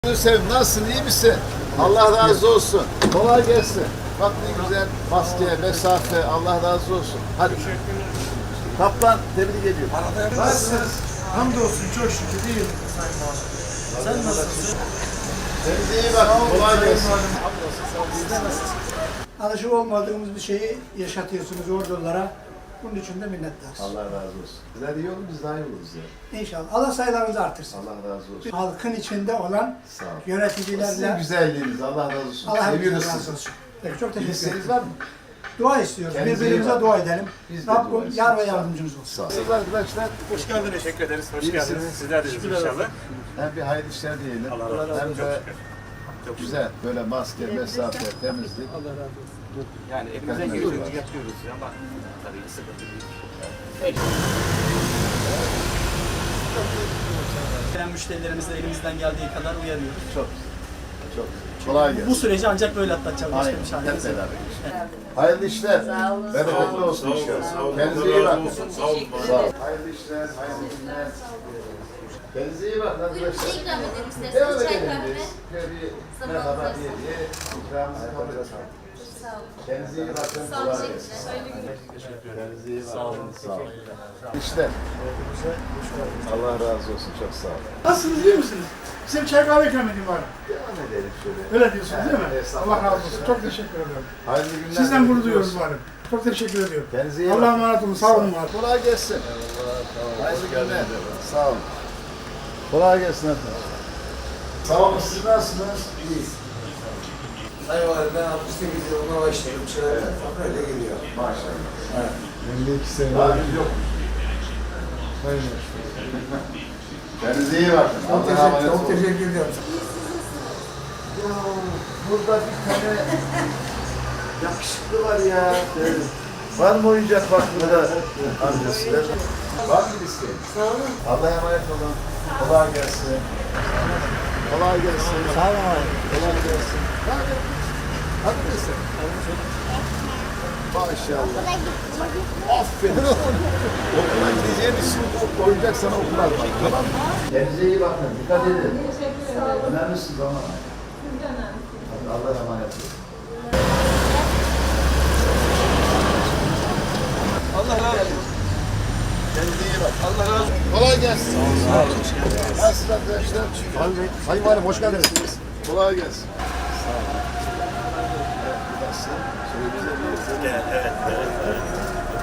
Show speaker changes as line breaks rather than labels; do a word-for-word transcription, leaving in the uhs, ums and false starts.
Sevim, nasılsın, iyi misin? Allah razı olsun. Kolay gelsin. Bak ne güzel maske, mesafe, Allah razı olsun. Hadi. Kaptan, tebrik ediyorum.
Nasılsınız? Hamdolsun, çok şükür iyiyim Sayın Muharrem. Sen nasılsın?
Kendinize iyi bakın, kolay gelsin.
Siz de nasılsınız? Alışık olmadığımız bir şeyi yaşatıyorsunuz ordulara. Bunun için de minnettarız.
Allah razı olsun. Sizler iyi olun, biz daha iyi oluruz ya.
İnşallah. Allah sayılarınızı artırsın.
Allah razı olsun.
Halkın içinde olan
Sağ olun. Sizin
yöneticilerle
güzelliğiniz, Allah razı olsun.
Allah
Seviyoruz
hepinizden
sizi.
razı olsun. Peki, çok
Bir
teşekkür
isteğiniz
ederim.
var mı?
Dua istiyoruz.
Kendinize iyi
Birbirimize
bakın.
dua edelim.
Biz de dua
Rabbim
istiyoruz.
yar ve yardımcımız olsun.
Sağ olun. Siz arkadaşlar,
Hoş geldiniz. Teşekkür ederiz. Hoş
İyi
geldiniz.
misiniz?
Sizler de iyisiniz inşallah.
hem bir hayırlı işler diyelim.
Allah razı olsun.
Hem
Çok
de
şükür. Çok
güzel, böyle maske, mesafe, temizlik.
Yani elimizden
Dikkatli
geldiğince
olun.
yapıyoruz ama tabii sıkıntı büyük.
Gelen müşterilerimizi elimizden geldiği kadar uyarıyoruz.
Çok çok kolay gelsin.
Bu süreci ancak böyle atlatacağız. Başka
Aynen.
bir çaremiz
Hep
yok.
beraber. Hayırlı işler. Bereketli olsun inşallah. Kendinize iyi bakın. Sağ olun. Sağ olun. Hayırlı işler, hayırlı günler. Kendinize iyi bakın
Buyurun,
arkadaşlar.
bir şey ikram edelim
Devam
isterseniz. Çay
edelim
kahve.
biz. Şöyle bir merhaba diye diye ikramımızı kabul edelim.
Sağ olun.
Kendinize iyi bakın.
Sağ olun,
Kolay gelsin.
teşekkürler.
Kendinize iyi bakın. Sağ olun. Sağ olun. İşte. Allah razı olsun. Çok sağ olun.
Nasılsınız, iyi misiniz? Size bir çay kahve ikram edeyim bari.
Devam edelim şöyle.
Öyle diyorsunuz değil mi?
Evet, estağfurullah.
Allah razı olsun. Çok teşekkür ederim.
Hayırlı günler.
Sizden gurur duyuyoruz
olsun.
bari. Çok teşekkür ediyorum.
Kendinize iyi
Allah'a
bakın.
emanet olun. Sağ olun var.
Kolay gelsin. Hayırlı günler. Sağ olun. Kolay gelsin efendim. Sağ olun. Siz nasılsınız? İyiyiz.
Sayın Valim, ben altmış sekiz yılında başladım. Çırağı'dan öyle geliyor.
Maşallah.
Evet.
elli iki sene. Daha biz yok. Kendinize iyi bakın.
Çok
Allah'a
teşekkür,
emanet
çok
olun.
teşekkür ediyorum.
Ya, burada bir tane yakışıklı var ya. Evet. Var mı oyuncak bak burada amcası? Var mı bir isteğin? Sağ olun. Allah'a emanet olun. Kolay gelsin. Kolay gelsin. Sağ olun. Kolay gelsin. Hadi. Hadi neyse. Maşallah. Aferin. Okula gideceğin için oyuncak sana okular bak. Tamam mı? Kendinize iyi bakın. Dikkat edin. Önemlisiniz ama. Hadi Allah'a emanet olun. Allah razı olsun. Kendinize iyi bak. Allah razı olsun. Kolay gelsin. Sağ olun. Nasılsınız arkadaşlar? Sayın Bey. Sayın Valim hoş geldiniz. Kolay gelsin. Sağ olun. Evet, nasıl? Şöyle güzel bir-
Evet, evet, evet.